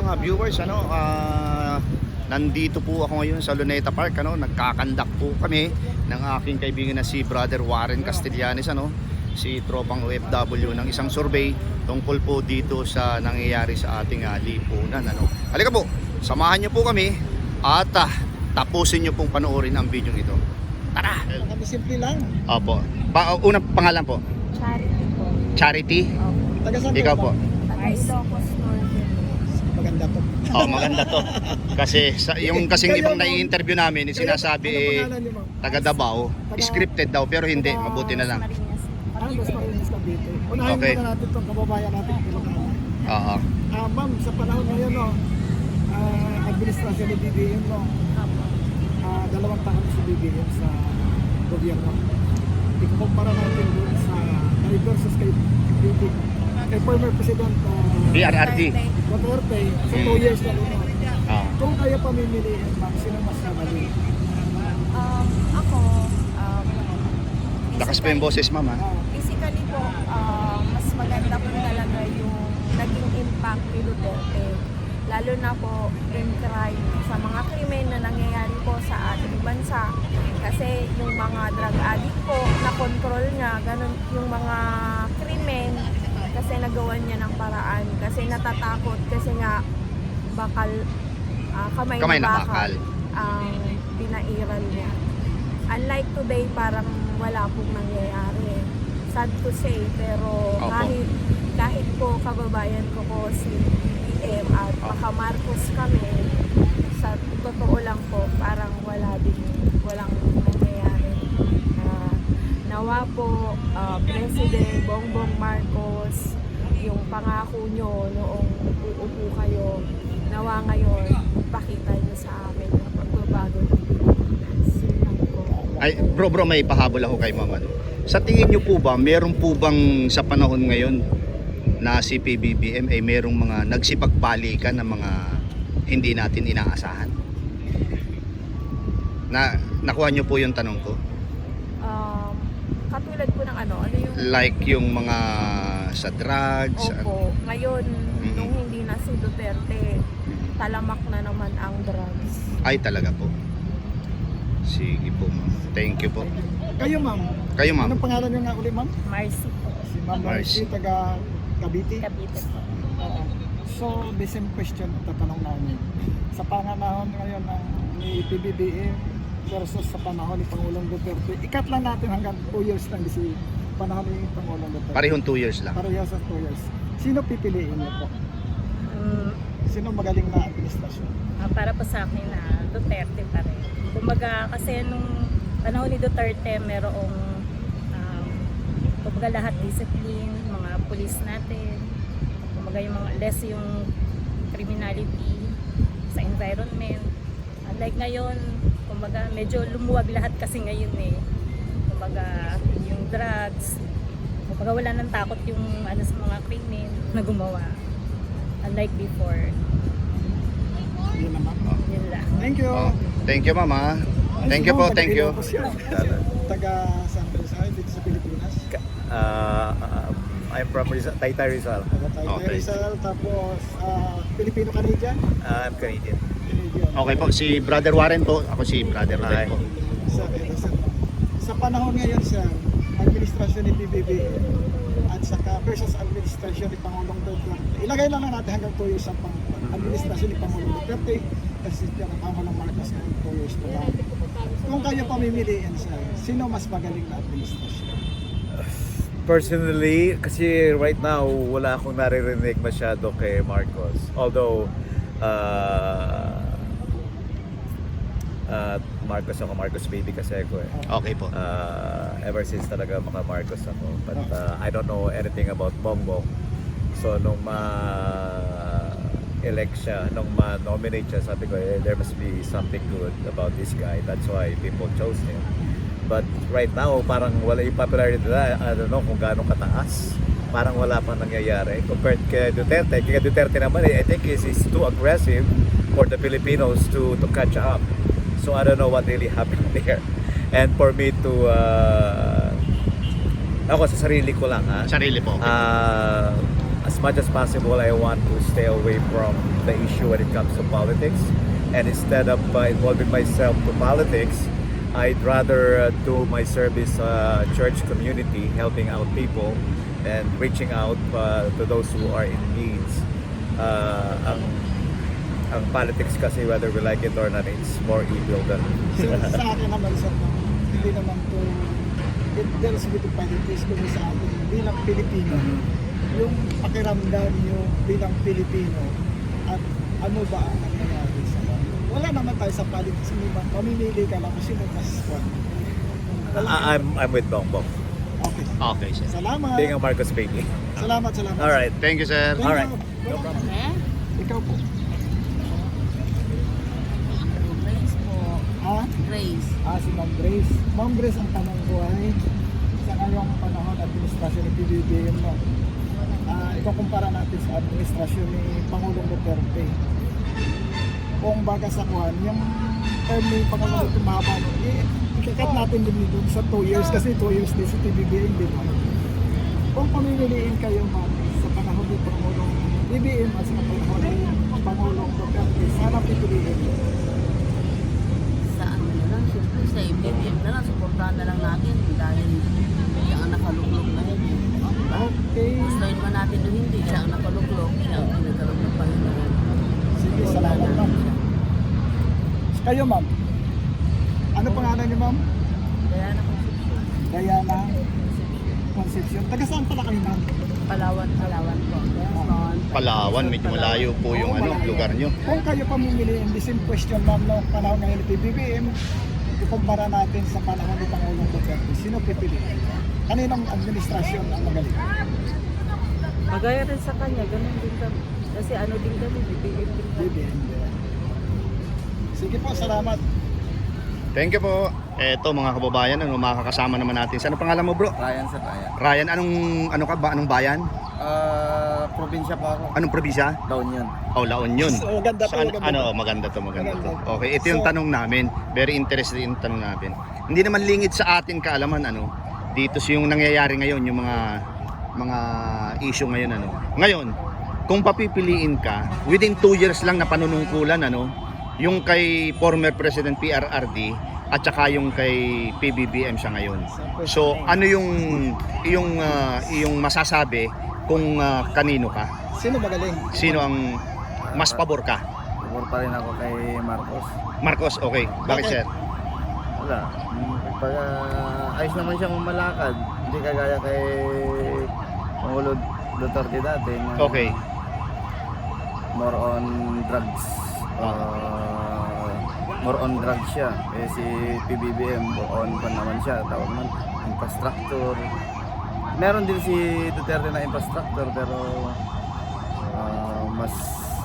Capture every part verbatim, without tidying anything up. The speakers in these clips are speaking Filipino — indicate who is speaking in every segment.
Speaker 1: mga viewers, ano, ah, nandito po ako ngayon sa Luneta Park, ano, nagkakandak po kami ng aking kaibigan na si Brother Warren Castellanes, ano, si tropang O F W ng isang survey tungkol po dito sa nangyayari sa ating uh, lipunan, ano. Halika po, samahan niyo po kami at uh, tapusin niyo pong panoorin ang video ito. Tara!
Speaker 2: Kami simple lang.
Speaker 1: Opo. Pa unang pangalan po?
Speaker 3: Charity po.
Speaker 1: Charity?
Speaker 3: Opo.
Speaker 2: Taga saan
Speaker 1: Ikaw po?
Speaker 3: Taga Ilocos Norte.
Speaker 2: Maganda to.
Speaker 1: Oh, maganda to. Kasi sa, yung kasing ibang nai-interview namin, eh, sinasabi
Speaker 2: Ano
Speaker 1: eh,
Speaker 2: pangalan niyo, ma'am?
Speaker 1: taga Davao, scripted daw pero hindi, mabuti na lang.
Speaker 3: Marinas.
Speaker 2: Ah, Los Marinas Cavite. Unahin
Speaker 1: Okay.
Speaker 2: muna natin itong kababayan natin. Ilocano.
Speaker 1: Oo.
Speaker 2: Ah, ma'am, sa panahon ngayon, no, ah, administrasyon ni B B M, no,
Speaker 3: Opo.
Speaker 2: ah, dalawang taon si B B M sa gobyerno. Ikukumpara natin doon sa kay versus kay B B M. Kay former President uh,
Speaker 1: B R R D.
Speaker 2: Duterte, sa
Speaker 1: Hmm.
Speaker 2: two years na rin.
Speaker 1: Oo.
Speaker 2: Kung kaya pamimiliin, ma'am, sino mas nabali?
Speaker 3: Um, ako, um,
Speaker 1: Lakas pa yung boses, ma'am, ha?
Speaker 2: Ah,
Speaker 3: physically po, uh, mas maganda po talaga yung naging impact ni Duterte. Lalo na po in crime, sa mga krimen na nangyayari po sa ating bansa. Kasi yung mga drug addict po, na-control niya, ganun yung mga krimen, kasi nagawa niya ng paraan. Kasi natatakot, kasi nga bakal, ah, kamay,
Speaker 1: Kamay
Speaker 3: na
Speaker 1: na
Speaker 3: bakal,
Speaker 1: bakal.
Speaker 3: ang pinairal niya. Unlike today, parang wala pong nangyayari. Sad to say, pero
Speaker 1: Opo.
Speaker 3: kahit kahit po kababayan ko po si B B M at
Speaker 1: Opo.
Speaker 3: baka Marcos kami, sa totoo lang po, parang wala din, walang nangyayari. Na nawa po, ah, President Bongbong Marcos, yung pangako nyo noong uupo kayo, nawa ngayon, pakita nyo sa amin na pagbabago ng Pilipinas. Yun lang po.
Speaker 1: Ay, bro, bro, may pahabol ako kay ma'am, ano. Sa tingin niyo po ba, meron po bang sa panahon ngayon na si P B B M ay merong mga nagsipagbalikan ng mga hindi natin inaasahan? Na, nakuha niyo po yung tanong ko?
Speaker 3: Um, katulad po ng ano, ano yung...
Speaker 1: Like yung mga sa drugs?
Speaker 3: Opo, ngayon,
Speaker 1: Mhm.
Speaker 3: nung hindi na si Duterte, talamak na naman ang drugs.
Speaker 1: Ay, talaga po. Sige po, ma'am. Thank you po.
Speaker 2: kayo, ma'am.
Speaker 1: Kayo, ma'am.
Speaker 2: Anong pangalan niyo nga uli, ma'am?
Speaker 3: Marcy po,
Speaker 2: Si Ma'am
Speaker 1: Marcy.
Speaker 2: Marcy, taga Cavite.
Speaker 3: Cavite po.
Speaker 2: Oo. So, the same question tatanong namin. Sa panganahon ngayon ng ni P B B M versus sa panahon ni Pangulong Duterte, ikat lang natin hanggang two years lang si panahon ni Pangulong Duterte.
Speaker 1: Parehong two years lang.
Speaker 2: Parehas sa two years. Sino pipiliin niyo po?
Speaker 4: Um,
Speaker 2: Sino magaling na administrasyon?
Speaker 4: ah, para po sa akin na Duterte pa rin. Kumbaga kasi nung panahon ni Duterte merong um, kumbaga lahat discipline, mga pulis natin, kumbaga yung mga less yung criminality sa environment. Unlike ngayon, kumbaga medyo lumuwag lahat kasi ngayon eh. Kumbaga yung drugs, kumbaga wala nang takot yung ano sa mga krimen na gumawa. Unlike before.
Speaker 2: Yun naman.
Speaker 4: Yun lang.
Speaker 2: Thank you.
Speaker 1: Oh, thank you, ma'am, ha? Thank you po, thank you.
Speaker 2: Taga San Rizal, dito sa Pilipinas.
Speaker 5: Uh, uh, I'm from Rizal, Taytay Rizal.
Speaker 2: Taga Taytay
Speaker 1: Okay.
Speaker 2: Rizal, tapos ah, Filipino-Canadian.
Speaker 5: Uh, I'm Canadian.
Speaker 2: Canadian.
Speaker 1: Okay po, si Brother Warren po. Ako si Brother Rodel
Speaker 5: Hi.
Speaker 1: po.
Speaker 2: Sa, sa, sa panahon ngayon, sir, administrasyon ni P B B at saka versus administrasyon ni Pangulong Duterte. Ilagay lang na natin hanggang two years ang pang administrasyon ni Pangulong Duterte kasi siya ng Pangulong Marcos ng two years na lang. Kung kayo pamimiliin, sir, sino mas magaling na administrasyon?
Speaker 5: Personally, kasi right now, wala akong naririnig masyado kay Marcos. Although, uh, uh, Marcos ako, Marcos baby kasi ako eh.
Speaker 1: Okay po.
Speaker 5: Uh, ever since talaga mga Marcos ako. But uh, I don't know anything about Bongbong. So nung ma-elect siya, nung ma-nominate siya, sabi ko, eh, there must be something good about this guy. That's why people chose him. But right now, parang wala yung popularity nila. I don't know kung gaano kataas. Parang wala pang nangyayari. Compared kay Duterte, kay Duterte naman, eh, I think he's, he's too aggressive for the Filipinos to to catch up. So I don't know what really happened there. And for me to, uh, ako sa sarili ko lang ha,
Speaker 1: Sarili po. Okay.
Speaker 5: uh, as much as possible, I want to stay away from the issue when it comes to politics. And instead of uh, involving myself to politics, I'd rather uh, do my service uh, church community, helping out people and reaching out uh, to those who are in needs. Uh, ang, ang politics kasi, whether we like it or not, it's more evil than...
Speaker 2: So, sa akin naman, sir, no, hindi naman to, it deals with the politics kung sa atin bilang Pilipino. Yung pakiramdam nyo bilang Pilipino at ano ba ang nangyayari sa banyo. Wala naman tayo sa politics, hindi ba? Mamimili ka lang kung sino mas kwan. Wala.
Speaker 5: I- I'm, I'm with Bongbong,
Speaker 2: Okay.
Speaker 1: Okay, sir.
Speaker 2: Salamat.
Speaker 5: being a Marcos baby.
Speaker 2: Salamat, salamat.
Speaker 5: All right.
Speaker 1: Thank you, sir.
Speaker 2: Thank
Speaker 5: Alright.
Speaker 2: you.
Speaker 5: No problem.
Speaker 2: Ikaw po.
Speaker 6: Grace po.
Speaker 2: Ha?
Speaker 6: Grace.
Speaker 2: Ah, si Ma'am Grace. Ma'am Grace, ang tanong ko ay sa ngayong panahon administrasyon ni P B B M, no? Ah, ikukumpara natin sa administrasyon ni Pangulong Duterte. Kung baga sa kuhan, yung term ni Pangulong Duterte mahaba, no? Eh, ikakat natin din dun sa two years kasi two years din si P B B M, di ba? Kung pamimiliin kayo, ma'am, sa panahon ni Pangulong B B M at sa panahon ni Pangulong Duterte, sana pipiliin niyo.
Speaker 6: Sa ano na lang, siyempre sa B B M na lang, suportahan na lang natin dahil siya ang nakaluklok na yun.
Speaker 2: Okay.
Speaker 6: Gustuin man natin o hindi, siya ang nakaluklok, siya ang pinagkaroon ng Panginoon.
Speaker 2: Sige, salamat, ma'am. Kayo, ma'am. Ano pangalan niyo, ma'am?
Speaker 6: Kaya na Concepcion.
Speaker 2: Diana Concepcion. Taga saan pala kayo, ma'am?
Speaker 6: Palawan, Palawan po. Quezon.
Speaker 1: Palawan, medyo malayo po yung
Speaker 2: Oo,
Speaker 1: ano,
Speaker 2: malayo.
Speaker 1: lugar nyo.
Speaker 2: Kung kayo pamimiliin, the same question, ma'am, no, panahon ngayon ni P B B M, ikumpara natin sa panahon ni Pangulong Duterte. Sino pipiliin? Kaninong administrasyon ang magaling?
Speaker 6: Magaya rin sa kanya, ganun din kami. Kasi ano din kami, B B M din
Speaker 2: B B M. Sige po, salamat.
Speaker 1: Thank you po. Eto mga kababayan, ano, makakasama naman natin. Sa ano pangalan mo, bro?
Speaker 7: Ryan sa Ryan.
Speaker 1: Ryan, anong ano ka ba? Anong bayan?
Speaker 7: Ah, probinsya pa ako.
Speaker 1: Anong probinsya?
Speaker 7: Down yun.
Speaker 1: Oh, La Union.
Speaker 2: So, maganda to,
Speaker 1: Saan-
Speaker 2: maganda
Speaker 1: ano,
Speaker 2: to.
Speaker 1: oh, maganda to, maganda to.
Speaker 2: Maganda.
Speaker 1: Okay, ito yung
Speaker 2: So-
Speaker 1: tanong namin. Very interested yung tanong namin. Hindi naman lingid sa atin kaalaman, ano, dito sa yung nangyayari ngayon, yung mga mga issue ngayon, ano. Ngayon, kung papipiliin ka, within two years lang na panunungkulan, ano, yung kay former President P R R D at saka yung kay P B B M siya ngayon. So, ano yung yung ah, yung masasabi kung ah, kanino ka?
Speaker 2: Sino magaling?
Speaker 1: Sino ang mas pabor ka?
Speaker 7: Pabor pa rin ako kay Marcos.
Speaker 1: Marcos, okay. Bakit,
Speaker 2: Bakit?
Speaker 1: sir?
Speaker 7: Wala. Pag ah, ayos naman siyang malakad, hindi kagaya kay Pangulo Duterte dati. Na
Speaker 1: Okay.
Speaker 7: More on drugs. Ah, more on drugs siya. Eh si P B B M, more on pa naman siya. Tawag man, infrastructure. Meron din si Duterte na infrastructure pero ah, mas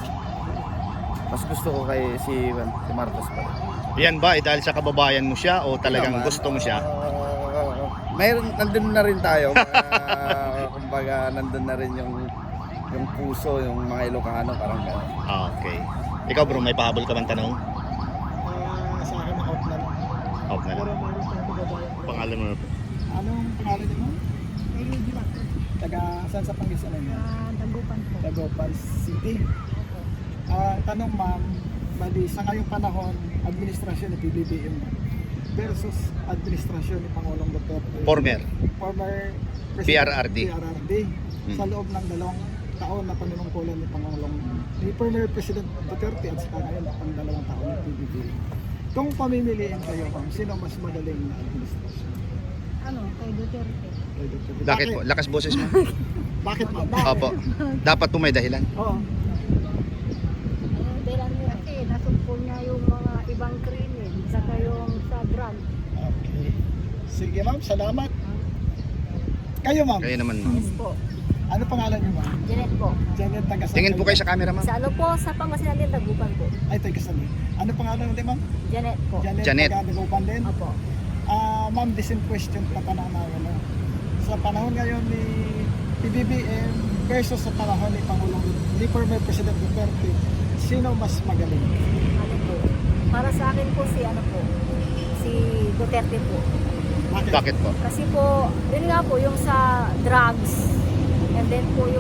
Speaker 7: mas gusto ko kay si, si Marcos pa rin.
Speaker 1: Yan ba eh, dahil sa kababayan mo siya o talagang
Speaker 7: Naman,
Speaker 1: gusto mo siya?
Speaker 7: ah, mayroon, nandun na rin tayo. Uh, kumbaga, nandun na rin yung yung puso, yung mga Ilocano, parang gano'n.
Speaker 1: Ah, okay. Ikaw bro, may pahabol ka bang tanong?
Speaker 2: Ah, sa akin, out na lang.
Speaker 1: Out na
Speaker 2: Pero
Speaker 1: lang.
Speaker 2: meron tayong kababayan.
Speaker 1: Pangalan mo na.
Speaker 2: Anong pangalan niyo, ma'am? Taga saan sa Pangasinan niya?
Speaker 3: Ah, Dagupan po.
Speaker 2: Dagupan City. Ah, tanong, ma'am, bali sa ngayong panahon, administrasyon ni P B B M versus administrasyon ni Pangulong Duterte.
Speaker 1: Former.
Speaker 2: Former
Speaker 1: P R R D.
Speaker 2: P R R D. Sa loob ng dalawang taon na panunungkulan ni Pangulong ni former President Duterte at saka ngayon ang dalawang taon ng P B B M. Kung pamimiliin kayo, ma'am, sino mas magaling na administrasyon?
Speaker 3: Ano, kay Duterte.
Speaker 2: Kay Duterte.
Speaker 1: Bakit po? Lakas boses mo?
Speaker 2: Bakit, ma'am?
Speaker 1: Opo. Dapat po may dahilan.
Speaker 2: Oo.
Speaker 3: Kasi nasumpo niya yung mga ibang krimen, saka yung sa drug.
Speaker 2: Okay. Sige, ma'am. Salamat. Kayo, ma'am.
Speaker 1: Kaya naman, ma'am.
Speaker 3: Yes po.
Speaker 2: Ano pangalan niyo, ma'am?
Speaker 3: Janet po.
Speaker 2: Janet, taga saan
Speaker 1: Tingin po kayo sa camera, ma'am.
Speaker 3: Sa ano po, sa Pangasinan din, Dagupan po.
Speaker 2: Ay, taga saan? Ano pangalan natin, ma'am?
Speaker 3: Janet po.
Speaker 2: Janet.
Speaker 1: Janet.
Speaker 2: Taga Dagupan din.
Speaker 3: Opo.
Speaker 2: Ah, ma'am, the same question pa tanong namin. No? Sa panahon ngayon ni P B B M versus sa panahon ni Pangulong ni former President Duterte, sino mas magaling?
Speaker 3: Ano po. Para sa akin po si ano po, si Duterte po.
Speaker 1: Bakit po?
Speaker 3: Kasi po, yun nga po, yung sa drugs, and then po yung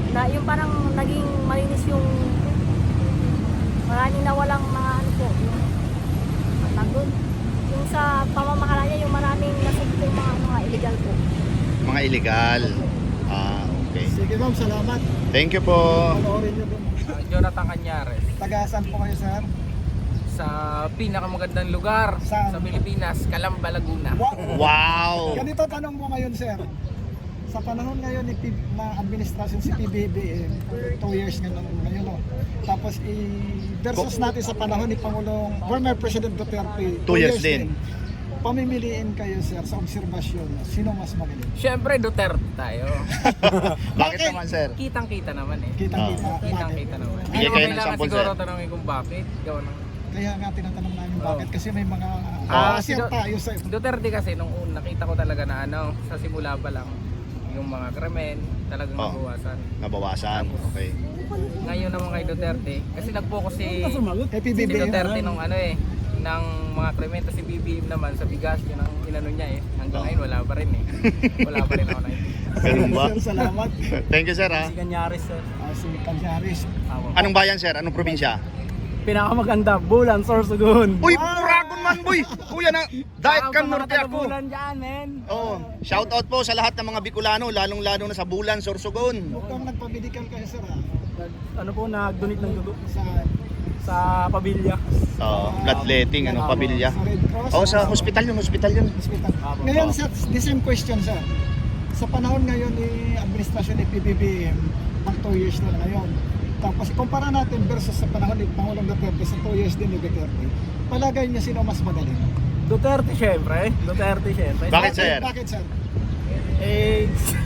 Speaker 4: na yung parang naging malinis yung maraming nawalang mga ano po, yung matagod. Yung sa pamamahala niya, yung maraming nasugpo yung mga mga illegal po.
Speaker 1: Mga illegal. Ah, okay.
Speaker 2: Sige ma'am, salamat.
Speaker 1: Thank you po.
Speaker 2: Panoorin nyo doon.
Speaker 8: Uh, Jonathan Cañares,
Speaker 2: Tagasan po kayo sir.
Speaker 8: sa pinakamagandang lugar
Speaker 2: Saan?
Speaker 8: sa Pilipinas, Calamba, Laguna.
Speaker 2: Wow!
Speaker 1: Wow!
Speaker 2: Ganito tanong mo ngayon sir. Sa panahon ngayon ni P- na administrasyon si P B B M, two years nga lang ngayon no. Tapos i versus natin sa panahon ni Pangulong former President Duterte,
Speaker 1: Two years din.
Speaker 2: Pamimiliin kayo sir sa obserbasyon, sino mas magaling?
Speaker 8: Siyempre, Duterte tayo.
Speaker 1: Bakit naman, sir?
Speaker 8: Kitang-kita naman eh.
Speaker 2: Kitang-kita. Bakit?
Speaker 8: Kitang-kita naman.
Speaker 1: Bigay
Speaker 8: Ano
Speaker 1: kayo ng
Speaker 8: kailangan
Speaker 1: sample,
Speaker 8: siguro
Speaker 1: sir.
Speaker 8: tanongin kung bakit? Gawa ng...
Speaker 2: Kaya nga tinatanong namin bakit kasi may mga
Speaker 8: Ah,
Speaker 2: uh,
Speaker 8: si Do-
Speaker 2: tayo sa
Speaker 8: Duterte kasi nung una, nakita ko talaga na ano, sa simula pa lang, yung mga krimen talagang
Speaker 1: Oh.
Speaker 8: nabawasan.
Speaker 1: Nabawasan. Okay.
Speaker 8: Ngayon naman kay Duterte, kasi nag-focus si,
Speaker 2: kay P B
Speaker 8: si
Speaker 2: B M.
Speaker 8: Duterte nung ano eh, ng mga krimen, tapos si B B M naman sa bigas, yun ang inano niya eh. Hanggang ngayon wala pa rin eh. Wala pa rin ako nakikita.
Speaker 1: Ganun ba?
Speaker 2: Sir, salamat.
Speaker 1: Thank you, sir, ha?
Speaker 8: Cañares sir.
Speaker 2: Uh, si Canyaris.
Speaker 1: Anong bayan, sir? Anong probinsya?
Speaker 8: Pinakamaganda, Bulan, Sorsogon.
Speaker 1: Uy, Buragon man, boy! Kuya na, diet kan norte ako.
Speaker 8: Bulan dyan, men.
Speaker 1: Oh, shout out po sa lahat ng mga Bicolano, lalong-lalo na sa Bulan, Sorsogon.
Speaker 2: Mukhang nagpa-medical kayo sir ha?
Speaker 8: Ano po, nag-donate ng dugo
Speaker 2: Sa,
Speaker 8: sa Pabilya.
Speaker 1: Oh, bloodletting, ano, pabilya.
Speaker 2: sa Red Cross.
Speaker 1: Oh, sa hospital yun, hospital yun.
Speaker 2: hospital. Ngayon sir, the same question sir. Sa panahon ngayon ni administrasyon ni P B B M, pang two years na ngayon. Tapos ikumpara natin versus sa panahon ni Pangulong Duterte sa two years din ni Duterte. Palagay niya sino mas magaling?
Speaker 8: Duterte syempre. Duterte syempre.
Speaker 1: Bakit, sir?
Speaker 2: Bakit sir?
Speaker 8: Eh,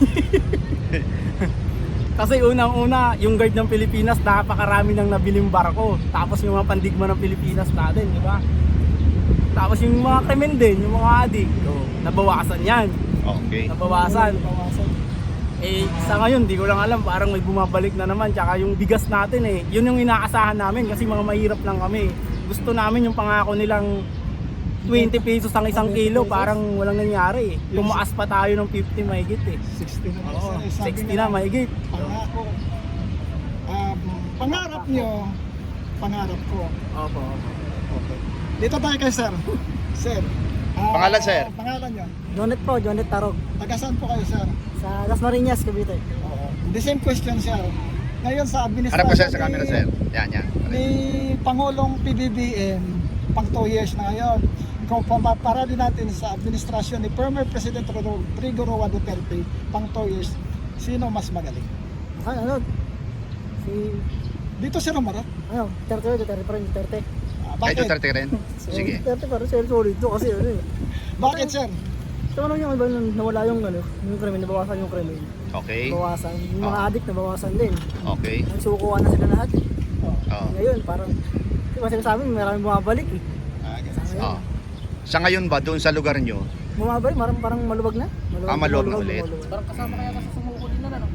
Speaker 8: kasi unang-una, yung guard ng Pilipinas, napakarami nang nabiling barko. Tapos yung mga pandigma ng Pilipinas natin, di ba? Tapos yung mga krimen din, yung mga adik, oh, nabawasan yan.
Speaker 1: Okay.
Speaker 8: Nabawasan.
Speaker 2: Bawasan.
Speaker 8: Eh, sa ngayon, di ko lang alam, parang may bumabalik na naman. Tsaka yung bigas natin eh, yun yung inaasahan namin kasi mga mahirap lang kami. Gusto namin yung pangako nilang twenty pesos ang isang kilo, parang walang nangyari eh. Tumaas pa tayo ng fifty mahigit eh.
Speaker 2: sixty na
Speaker 8: Oo,
Speaker 2: sir. Eh, sabi
Speaker 8: sixty
Speaker 2: nila,
Speaker 8: na mahigit.
Speaker 2: Pangako. Um, pangarap nyo, pangarap ko.
Speaker 8: Opo, opo.
Speaker 2: Okay. Dito tayo kay sir. Sir. ah,
Speaker 1: Pangalan, sir?
Speaker 2: Pangalan nyo.
Speaker 9: Jonet po, Jonet Tarog.
Speaker 2: Taga saan po kayo sir?
Speaker 9: Sa Las Marinas, Cavite.
Speaker 2: Oo. The same question sir. Ngayon sa administrasyon
Speaker 1: Harap ko, sir, sa
Speaker 2: ni-
Speaker 1: camera, sir. Yan, yan.
Speaker 2: ni Pangulong P B B M pang two years na ngayon. Kung pamapara din natin sa administrasyon ni former President Rodrigo Roa Duterte pang two years, sino mas magaling?
Speaker 9: Ah, ano? Si,
Speaker 2: Dito si Romarot.
Speaker 9: ano, Duterte, Duterte pa rin, Duterte.
Speaker 2: Ah,
Speaker 1: Ay,
Speaker 2: bakit?
Speaker 1: Duterte ka rin? Sige.
Speaker 9: Duterte pa rin, sir, solid to kasi ano eh.
Speaker 2: Bakit sir?
Speaker 9: Ito ano yung iba nung nawala yung ano, yung krimen, nabawasan yung krimen.
Speaker 1: Okay.
Speaker 9: Nabawasan. Yung mga
Speaker 1: Ah.
Speaker 9: addict, nabawasan din.
Speaker 1: Okay.
Speaker 9: Nagsukuhan na sila lahat eh.
Speaker 1: Oh.
Speaker 9: Ngayon, parang, di ba sinasabi, maraming bumabalik eh.
Speaker 1: Oh. Sa ngayon ba, doon sa lugar nyo,
Speaker 9: Bumabalik, parang, parang maluwag na. Maluwag,
Speaker 1: Ah, maluwag na ulit.
Speaker 8: Parang kasama kaya kasi sumuko din na ano.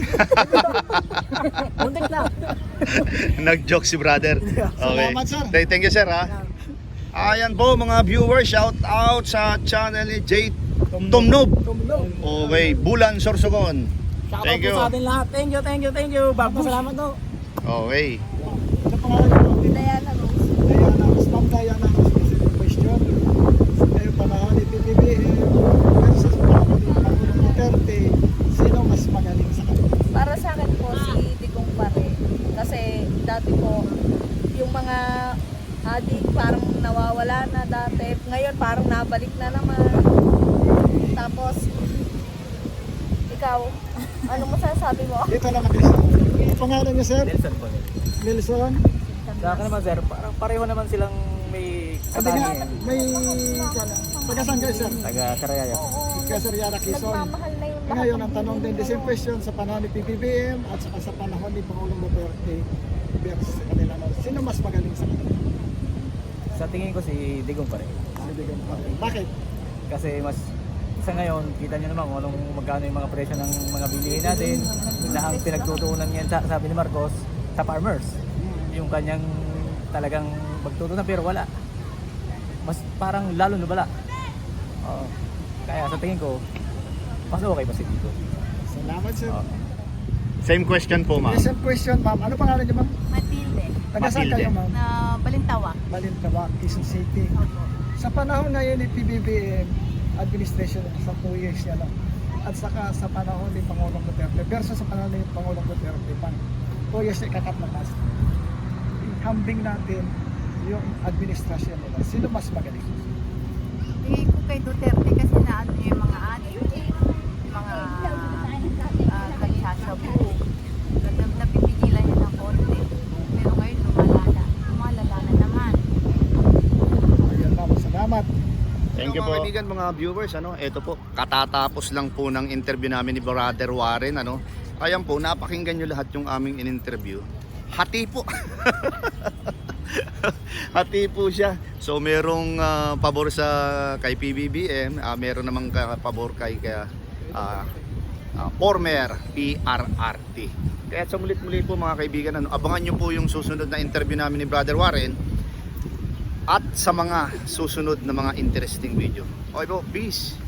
Speaker 9: Muntik na.
Speaker 1: nag-joke si brother. Okay.
Speaker 2: Salamat, sir.
Speaker 1: Th- Thank you, sir, ha? Ayan po, mga viewers, shout out sa channel ni J. Tomnob. Okay, Bulan, Sorsogon.
Speaker 8: Shoutout
Speaker 1: Thank
Speaker 8: po
Speaker 1: you.
Speaker 8: sa atin lahat. Thank you, thank you, thank you. Babush.
Speaker 9: Salamat to.
Speaker 1: Okay.
Speaker 2: Ano pangalan nyo?
Speaker 3: Diana Rose.
Speaker 2: Diana, Ma'am Diana, specific question. Ngayon panahon ni P B B M versus panahon ni Pangulong Duterte, sino mas magaling sa kanila?
Speaker 3: Para sa akin po, si Digong Pare. Kasi dati po, yung mga adik parang nawawala na dati. Ngayon parang nabalik na naman. Tapos, ikaw, ano mo sasabi mo?
Speaker 2: Dito lang natin sir. Ano pangalan niyo sir?
Speaker 8: Nelson po.
Speaker 2: Nelson?
Speaker 8: Sa akin naman sir, parang pareho naman silang may
Speaker 2: Sabi nga,
Speaker 8: katangian.
Speaker 2: may... Taga saan kayo sir?
Speaker 8: Taga Karayaya.
Speaker 2: Kaya Sir Yara Quezon.
Speaker 3: Nagmamahal na yung lahat.
Speaker 2: Ngayon, ang
Speaker 3: ng
Speaker 2: tanong din, the
Speaker 3: Pilipino.
Speaker 2: same question sa panahon ni P B B M at saka sa panahon ni Pangulong Duterte versus sa kanila. no? Sino mas magaling sa kanila?
Speaker 10: Sa tingin ko si Digong pa rin.
Speaker 2: Sinibigyan pa rin. Bakit?
Speaker 10: Kasi mas sa ngayon, kita nyo naman kung anong magkano yung mga presyo ng mga bilihin natin na ang pinagtutuunan niyan sa, sabi ni Marcos sa farmers. Yung kanyang talagang magtutunan pero wala. Mas parang lalo nabala. Oo. Kaya sa tingin ko, mas okay pa si Digong.
Speaker 2: Salamat sir.
Speaker 10: Oo.
Speaker 1: Same question po, ma'am.
Speaker 2: Yes, same question, ma'am. Ano pangalan niyo, ma'am?
Speaker 3: Matilde,
Speaker 2: Taga saan
Speaker 1: Matilde.
Speaker 2: kayo, ma'am?
Speaker 3: na Balintawak.
Speaker 2: Balintawak, Quezon City. Sa panahon ngayon ni P B B M administration sa two years yan, no? At saka sa panahon ni Pangulong Duterte versus sa panahon ni Pangulong Duterte pang two years na ikakat na last. Hambing natin yung administrasyon nila. Sino mas magaling?
Speaker 3: Tingin ko kay Duterte kasi naano niya yung mga adik, mga uh, nagsasabu. Napipigilan niya ng konti. Pero ngayon lumalala. Lumalala na naman.
Speaker 2: Ayun, ma'am. Salamat.
Speaker 1: Thank you po. Mga kaibigan, mga viewers, ano, ito po, katatapos lang po ng interview namin ni Brother Warren, ano. Ayan po, napakinggan nyo lahat yung aming in-interview. Hati po. Hati po siya. So merong ah, pabor sa kay P B B M, ah, meron namang ka- pabor kay kaya ah, ah, former P R R T. Kaya sa mulit-muli po mga kaibigan, ano, abangan nyo po yung susunod na interview namin ni Brother Warren at sa mga susunod na mga interesting video. Okay po, peace!